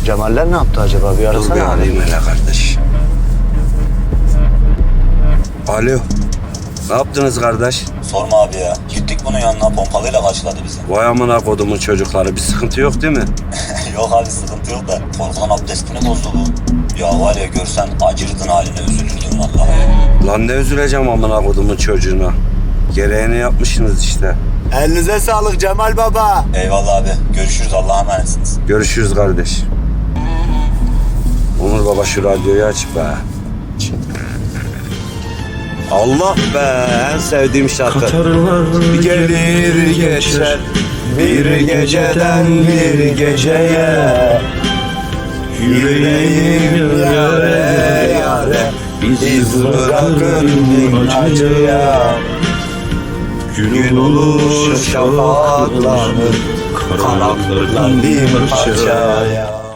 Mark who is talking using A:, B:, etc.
A: Cemaller ne yaptı acaba? Bir
B: Dur bir
A: arasana abi.
B: arayayım hele kardeş. Alo. Ne yaptınız kardeş?
C: Sorma abi ya. Gittik bunun yanına, pompalıyla karşıladı bizi.
B: Vay amına kodumun çocukları. Bir sıkıntı yok değil mi?
C: Yok abi, sıkıntı yok da korkudan abdestini bozdu bu. Ya var ya, görsen acırdın haline, üzülürdün vallahi.
B: Lan ne üzüleceğim amına kodumun çocuğuna. Gereğini yapmışsınız işte.
A: Elinize sağlık Cemal Baba.
C: Eyvallah abi. Görüşürüz, Allah'a emanetsiniz.
B: Görüşürüz kardeş. Onur baba şu radyoyu aç be. Allah be, en sevdiğim şarkı.
A: Bir gelir geçer bir geceden bir geceye. Yüreğim yare yare iz bırakır bin acıya. Gün olur şafaklanır kanatlarım bir parçaya.